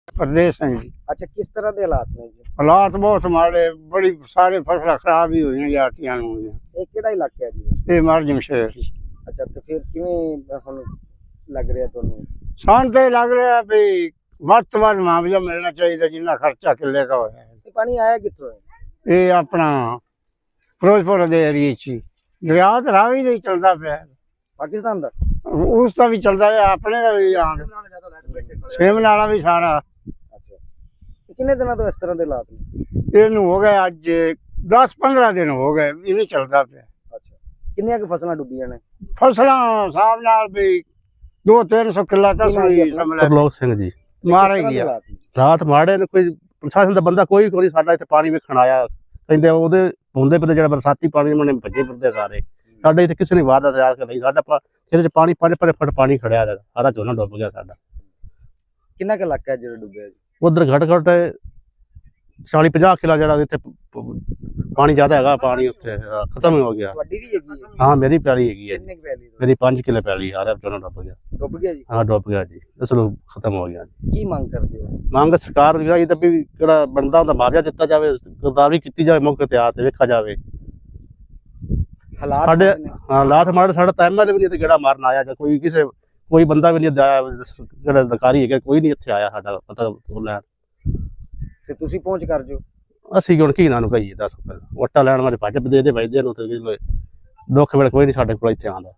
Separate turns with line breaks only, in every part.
प्रदेश हैं जी।
अच्छा, किस तरह के हालात ने जी?
हालात बहुत माड़े, बड़ी सारे फसल खराब ही हुई जाती हैं।
ਇਹ ਕਿਹੜਾ ਇਲਾਕਾ ਹੈ ਜੀ?
ये मार्जम शहर
ਅੱਛਾ, ਤੇ ਫਿਰ ਕਿਵੇਂ ਹੁਣ ਲੱਗ ਰਿਹਾ ਤੁਹਾਨੂੰ?
सान तो लग रहा है भी ਵੱਧ ਤੋਂ ਵੱਧ मुआवजा मिलना चाहिए जिन्ना खर्चा किले का होया है।
ਇਹ ਪਾਣੀ ਆਇਆ ਕਿੱਥੋਂ ਹੈ?
ये अपना फिरोजपुर के एरिए च दरिया तो रावी नहीं चलता पे,
ਪਾਕਿਸਤਾਨ ਦਾ?
उसका भी चलता है, अपने का भी सेम नाला भी सारा।
ਅੱਛਾ, ਤੇ ਕਿੰਨੇ ਦਿਨਾਂ ਤੋਂ ਇਸ ਤਰ੍ਹਾਂ ਦੇ ਹਾਲਾਤ ਨੇ?
ਇਹਨੂੰ ਹੋ ਗਏ ਅੱਜ 10-15 ਦਿਨ ਹੋ ਗਏ, ਇਹ ਨਹੀਂ ਚੱਲਦਾ ਪਿਆ।
ਅੱਛਾ, ਕਿੰਨੀਆਂ ਕੁ ਫਸਲਾਂ ਡੁੱਬੀਆਂ ਨੇ?
ਫਸਲਾਂ ਹਿਸਾਬ ਨਾਲ ਵੀ 200-300 ਕਿੱਲਾ ਤਾਂ ਸਹੀ ਸਮਝ
ਤਰਲੋਕ ਸਿੰਘ ਜੀ
ਮਾਰ ਹੀ ਗਿਆ।
ਰਾਤ ਮਾੜੇ ਨੇ, ਕੋਈ ਪ੍ਰਸ਼ਾਸਨ ਦਾ ਬੰਦਾ ਕੋਈ ਕੋਈ ਸਾਡਾ ਇੱਥੇ ਪਾਣੀ ਵੇਖਣ ਆਇਆ, ਕਹਿੰਦੇ ਉਹਦੇ ਹੁੰਦੇ ਪਏ ਜਿਹੜਾ ਬਰਸਾਤੀ ਪਾਣੀ ਉਹਨੇ ਭੱਜੇ ਫਿਰਦੇ ਸਾਰੇ। ਸਾਡੇ ਇੱਥੇ ਕਿਸੇ ਨੇ ਵਾਅਦਾ ਤਿਆਰ ਕਰ ਲਈ, ਸਾਡਾ ਖੇਤ 'ਚ ਪਾਣੀ 5 ਫੁੱਟ ਪਾਣੀ ਖੜਿਆ, ਸਾਰਾ ਝੋਨਾ ਡੁੱਬ ਗਿਆ ਸਾਡਾ।
ਕਿੰਨਾ ਕੁ ਇਲਾਕਾ ਹੈ ਜਿਹੜਾ ਡੁੱਬਿਆ ਜੀ?
ਉਧਰ ਘੱਟ 40-50 ਕਿੱਲਾ ਜਿਹੜਾ ਇੱਥੇ ਪਾਣੀ ਜ਼ਿਆਦਾ ਹੈਗਾ, ਪਾਣੀ ਉੱਥੇ ਖਤਮ ਹੋ ਗਿਆ।
ਤੁਹਾਡੀ ਵੀ ਹੈਗੀ ਹੈ?
ਹਾਂ, ਮੇਰੀ ਪੈਲੀ ਹੈਗੀ ਹੈ,
ਕਿੰਨੇ ਕੁ ਪੈਲੀ?
ਮੇਰੀ 5 ਕਿੱਲੇ ਪੈਲੀ, ਸਾਰਾ ਝੋਨਾ ਡੁੱਬ ਗਿਆ।
ਡੁੱਬ ਗਿਆ ਜੀ?
ਹਾਂ, ਡੁੱਬ ਗਿਆ ਜੀ, ਇਸ ਨੂੰ ਖਤਮ ਹੋ ਗਿਆ।
ਕੀ ਮੰਗ ਕਰਦੇ ਹੋ?
ਮੰਗ ਸਰਕਾਰ ਦੀ ਇਹ ਤਾਂ ਵੀ ਜਿਹੜਾ ਬਣਦਾ ਹੁੰਦਾ ਮੁਆਵਜ਼ਾ ਦਿੱਤਾ ਜਾਵੇ, ਗਰਦਾਵਰੀ ਕੀਤੀ ਜਾਵੇ, ਮੌਕੇ ਤੇ ਆ ਤੇ ਵੇਖਿਆ ਜਾਵੇ।
ਹਾਲਾਤ
ਸਾਡੇ
ਨੇ?
ਹਾਲਾਤ ਮਾੜੇ, ਸਾਡਾ ਤਾਂ ਐਮਐਲਏ ਵੀ ਨਹੀਂ ਤੇ ਜਿਹੜਾ ਮਾਰਨ ਆਇਆ, ਜਾਂ ਕੋਈ ਬੰਦਾ ਵੀ ਨਹੀਂ ਆਇਆ, ਜਿਹੜਾ ਅਧਿਕਾਰੀ ਹੈਗਾ ਕੋਈ ਨਹੀਂ ਇੱਥੇ ਆਇਆ ਸਾਡਾ ਪਤਾ ਲੈਣ।
ਤੇ ਤੁਸੀਂ ਪਹੁੰਚ ਕਰ ਜੋ?
ਅਸੀਂ ਹੁਣ ਕੀ ਇਹਨਾਂ ਨੂੰ ਕਹੀਏ, ਦੱਸ ਵੋਟਾਂ ਲੈਣ ਵਾਲੇ ਭੱਜ ਦੇ ਵੱਜਦੇ ਨੂੰ, ਤੇ ਦੁੱਖ ਵੇਲੇ ਕੋਈ ਨਹੀਂ ਸਾਡੇ ਕੋਲ ਇੱਥੇ ਆਉਂਦਾ।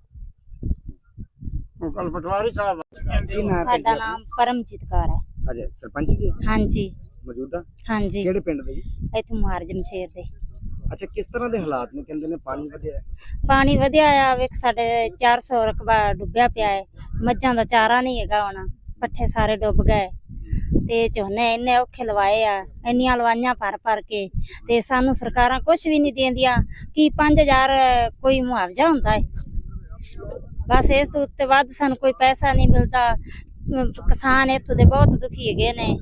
ਕੱਲ ਪਟਵਾਰੀ ਸਾਹਿਬ
ਕੀ ਨਾਮ ਹੈ?
ਸਾਡਾ ਨਾਮ ਪਰਮਜੀਤ ਕੌਰ ਹੈ।
ਅਜੇ ਸਰਪੰਚ ਜੀ
ਹਾਂਜੀ
ਮੌਜੂਦਾ?
ਹਾਂਜੀ,
ਕਿਹੜੇ ਪਿੰਡ ਦੇ ਜੀ?
ਇੱਥੇ ਮੁਹਾਰਜਮ ਸ਼ੇਰ ਦੇ।
ਅੱਛਾ, ਕਿਸ ਤਰ੍ਹਾਂ ਦੇ ਹਾਲਾਤ ਨੇ? ਕਹਿੰਦੇ ਨੇ ਪਾਣੀ ਵਧਿਆ ਹੈ।
ਪਾਣੀ ਵਧਿਆ ਆ, ਵੇਖ ਸਾਡੇ 400 ਰਕਬਾ ਡੁੱਬਿਆ ਪਿਆ ਹੈ, ਮੱਝਾਂ ਦਾ ਚਾਰਾ ਨਹੀਂ ਹੈਗਾ, ਹੁਣ ਪੱਠੇ ਸਾਰੇ ਡੁੱਬ ਗਏ, ਤੇ ਝੋਨੇ ਇੰਨੇ ਔਖੇ ਲਵਾਏ ਆ, ਇੰਨੀਆਂ ਲਵਾਈਆਂ ਭਰ ਕੇ, ਤੇ ਸਾਨੂੰ ਸਰਕਾਰਾਂ ਕੁਝ ਵੀ ਨਹੀਂ ਦਿੰਦੀਆਂ। ਕਿ 5000 ਕੋਈ ਮੁਆਵਜ਼ਾ ਹੁੰਦਾ ਹੈ, ਬਸ ਇਸ ਤੋਂ ਉੱਤੇ ਵੱਧ ਸਾਨੂੰ ਕੋਈ ਪੈਸਾ ਨਹੀਂ ਮਿਲਦਾ। ਕਿਸਾਨ ਇੱਥੋਂ ਦੇ ਬਹੁਤ ਦੁਖੀ ਹੈਗੇ ਨੇ।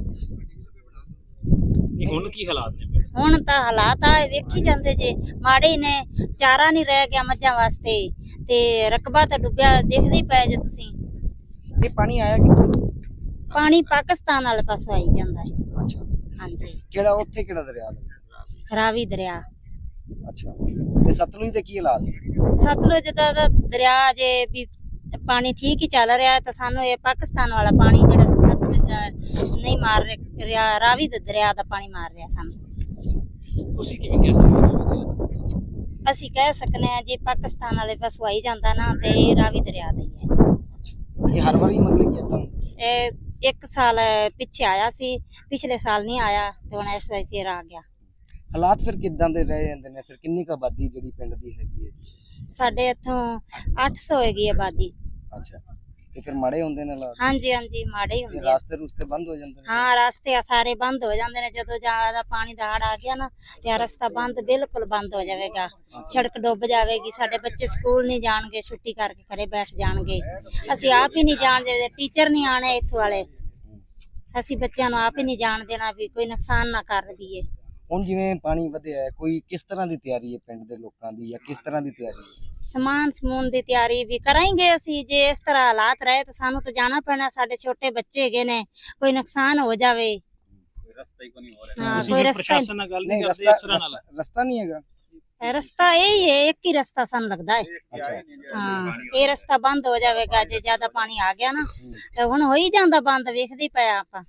ਹੁਣ ਕੀ ਹਾਲਾਤ ਨੇ?
ਹੁਣ ਤਾਂ ਹਾਲਾਤ ਆ ਵੇਖੀ ਜਾਂਦੇ ਜੇ, ਮਾੜੇ ਹੀ ਨੇ, ਚਾਰਾ ਨਹੀਂ ਰਹਿ ਗਿਆ ਮੱਝਾਂ ਵਾਸਤੇ, ਤੇ ਰਕਬਾ ਤਾਂ ਡੁੱਬਿਆ ਦੇਖਦੇ ਹੀ ਪਏ ਜੇ ਤੁਸੀਂ।
ਇਹ ਪਾਣੀ ਆਇਆ ਕਿੱਥੋਂ?
ਪਾਣੀ ਪਾਕਿਸਤਾਨ ਵਾਲੇ ਪਾਸੋਂ ਆਈ ਜਾਂਦਾ ਹੈ।
ਅੱਛਾ,
ਹਾਂਜੀ,
ਕਿਹੜਾ ਉੱਥੇ ਕਿਹੜਾ ਦਰਿਆ ਲੱਗਦਾ?
ਰਾਵੀ ਦਰਿਆ।
ਅੱਛਾ, ਤੇ ਸਤਲੁਜ ਦੇ ਕੀ ਹਾਲਾਤ?
ਸਤਲੁਜ ਦਾ ਤਾਂ ਦਰਿਆ ਜੇ ਵੀ ਪਾਣੀ ਠੀਕ ਹੀ ਚੱਲ ਰਿਹਾ ਹੈ, ਤਾਂ ਸਾਨੂੰ ਇਹ ਪਾਕਿਸਤਾਨ ਵਾਲਾ ਪਾਣੀ ਜਿਹੜਾ ਸਤਲੁਜ ਦਾ ਨਹੀਂ ਮਾਰ ਰਿਹਾ, ਰਾਵੀ ਦੇ ਦਰਿਆ ਦਾ ਪਾਣੀ ਮਾਰ ਰਿਹਾ ਸਾਨੂੰ।
ਤੁਸੀਂ ਕਿਵੇਂ ਕਹਿ ਸਕਦੇ ਹੋ?
ਅਸੀਂ ਕਹਿ ਸਕਨੇ ਆ ਜੇ ਪਾਕਿਸਤਾਨ ਵਾਲੇ ਪਾਸੋਂ ਆਈ ਜਾਂਦਾ ਨਾ, ਤੇ ਇਹ ਰਾਵੀ ਦਰਿਆ ਦਾ ਹੀ ਹੈ।
ਇਹ ਹਰ ਵਾਰੀ ਮਤਲਬ ਕਿ ਇਦਾਂ?
ਇਹ 1 ਸਾਲ ਪਿੱਛੇ ਆਇਆ ਸੀ, ਪਿਛਲੇ ਸਾਲ ਨਹੀਂ ਆਇਆ, ਤੇ ਹੁਣ ਇਸ ਵਾਰ ਫੇਰ ਆ ਗਿਆ।
ਹਾਲਾਤ ਫਿਰ ਕਿੱਦਾਂ ਦੇ ਰਹਿ ਜਾਂਦੇ ਨੇ? ਫਿਰ ਕਿੰਨੀ ਕੁ ਆਬਾਦੀ ਜਿਹੜੀ ਪਿੰਡ ਦੀ ਹੈਗੀ ਹੈ?
ਸਾਡੇ ਇੱਥੋਂ 800 ਹੈਗੀ ਆਬਾਦੀ।
ਅੱਛਾ, ਤੇ ਫਿਰ ਮਾੜੇ ਹੁੰਦੇ ਨੇ ਹਾਲਾਤ?
ਹਾਂਜੀ ਹਾਂਜੀ, ਮਾੜੇ ਹੀ ਹੁੰਦੇ ਆ।
ਰਾਸਤੇ ਰੁਸਤੇ ਬੰਦ ਹੋ ਜਾਂਦੇ ਨੇ?
ਹਾਂ, ਰਸਤੇ ਸਾਰੇ ਬੰਦ ਹੋ ਜਾਂਦੇ ਨੇ, ਜਦੋਂ ਜ਼ਿਆਦਾ ਪਾਣੀ ਦਾ ਹੜ ਆ ਗਿਆ ਨਾ, ਤੇ ਰਸਤਾ ਬੰਦ, ਬਿਲਕੁਲ ਬੰਦ ਹੋ ਜਾਵੇਗਾ, ਸੜਕ ਡੁੱਬ ਜਾਵੇਗੀ, ਸਾਡੇ ਬੱਚੇ ਸਕੂਲ ਨਹੀਂ ਜਾਣਗੇ, ਛੁੱਟੀ ਕਰਕੇ ਘਰੇ ਬੈਠ ਜਾਣਗੇ। ਅਸੀਂ ਆਪ ਹੀ ਨਹੀਂ ਜਾਣਦੇ, ਟੀਚਰ ਨਹੀਂ ਆਣੇ ਇੱਥੋਂ ਵਾਲੇ, ਅਸੀਂ ਬੱਚਿਆਂ ਨੂੰ ਆਪ ਹੀ ਨਹੀਂ ਜਾਣ ਦੇਣਾ ਵੀ ਕੋਈ ਨੁਕਸਾਨ ਨਾ ਕਰ ਦਈਏ।
ਹੁਣ ਜਿਵੇਂ ਪਾਣੀ ਵਧਿਆ ਹੈ, ਕੋਈ ਕਿਸ ਤਰ੍ਹਾਂ ਦੀ ਤਿਆਰੀ ਹੈ ਪਿੰਡ ਦੇ ਲੋਕਾਂ ਦੀ, ਜਾਂ ਕਿਸ ਤਰ੍ਹਾਂ ਦੀ ਤਿਆਰੀ ਹੈ?
ਸਮਾਨ ਸਮੂਨ ਦੀ ਤਿਆਰੀ ਵੀ ਕਰਾਂਗੇ ਅਸੀਂ। ਜੇ ਇਸ ਤਰ੍ਹਾਂ ਹਾਲਾਤ ਰਹੇ ਤਾਂ ਸਾਨੂੰ ਤਾਂ ਜਾਣਾ ਪੈਣਾ, ਸਾਡੇ ਛੋਟੇ ਬੱਚੇ ਹੈਗੇ ਨੇ, ਕੋਈ ਨੁਕਸਾਨ ਹੋ ਜਾਵੇ।
ਰਸਤਾ ਹੀ ਕੋਈ ਨਹੀਂ ਹੋ ਰਿਹਾ।
ਹਾਂ, ਕੋਈ ਰਸਤਾ
ਨਹੀਂ, ਰਸਤਾ ਨਹੀਂ ਹੈਗਾ।
ਰਸਤਾ ਇਹ ਹੈ, ਇੱਕ ਹੀ ਰਸਤਾ ਸਾਨੂੰ ਲੱਗਦਾ ਹੈ।
ਅੱਛਾ,
ਹਾਂ, ਇਹ ਰਸਤਾ ਬੰਦ ਹੋ ਜਾਵੇਗਾ ਜੇ ਜ਼ਿਆਦਾ ਪਾਣੀ ਆ ਗਿਆ ਨਾ, ਤੇ ਹੁਣ ਹੋ ਹੀ ਜਾਂਦਾ ਬੰਦ, ਵੇਖਦੇ ਹੀ ਪਿਆ ਆਪਾਂ।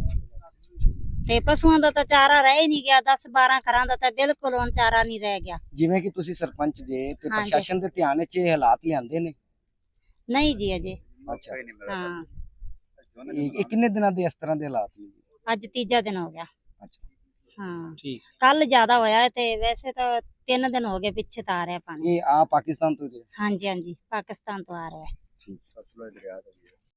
ਤੇ ਪਸ਼ੂਆਂ ਦਾ ਤਾਂ ਚਾਰਾ ਰਹਿ ਹੀ ਨਹੀਂ ਗਿਆ, 10-12 ਘਰਾਂ ਦਾ ਤਾਂ ਬਿਲਕੁਲ ਹੁਣ ਚਾਰਾ ਨਹੀਂ ਰਹਿ ਗਿਆ।
ਜਿਵੇਂ ਕਿ ਤੁਸੀਂ ਸਰਪੰਚ ਜੇ, ਤੇ
ਹਾਂਜੀ।
ਪ੍ਰਸ਼ਾਸਨ ਦੇ ਧਿਆਨ ਵਿੱਚ ਇਹ ਹਾਲਾਤ ਲਿਆਂਦੇ ਨੇ?
ਨਹੀਂ ਜੀ ਅਜੇ।
ਅੱਛਾ,
ਹਾਂ,
ਇਹ ਕਿੰਨੇ ਦਿਨਾਂ ਦੇ ਇਸ ਤਰ੍ਹਾਂ ਦੇ ਹਾਲਾਤ ਨੇ?
ਅੱਜ ਤੀਜਾ ਦਿਨ ਹੋ ਗਿਆ।
ਅੱਛਾ,
ਹਾਂ,
ਠੀਕ।
ਕੱਲ ਜ਼ਿਆਦਾ ਹੋਇਆ, ਤੇ ਵੈਸੇ ਤਾਂ 3 ਦਿਨ ਹੋ ਗਏ ਪਿੱਛੇ ਤਾਂ ਆ ਰਿਹਾ ਪਾਣੀ।
ਇਹ ਆ ਪਾਕਿਸਤਾਨ ਤੋਂ?
ਹਾਂਜੀ ਹਾਂਜੀ, ਪਾਕਿਸਤਾਨ ਤੋਂ ਆ ਰਿਹਾ ਹੈ।
ਠੀਕ, ਸਤਲੁਜ ਦਰਿਆ ਦਾ।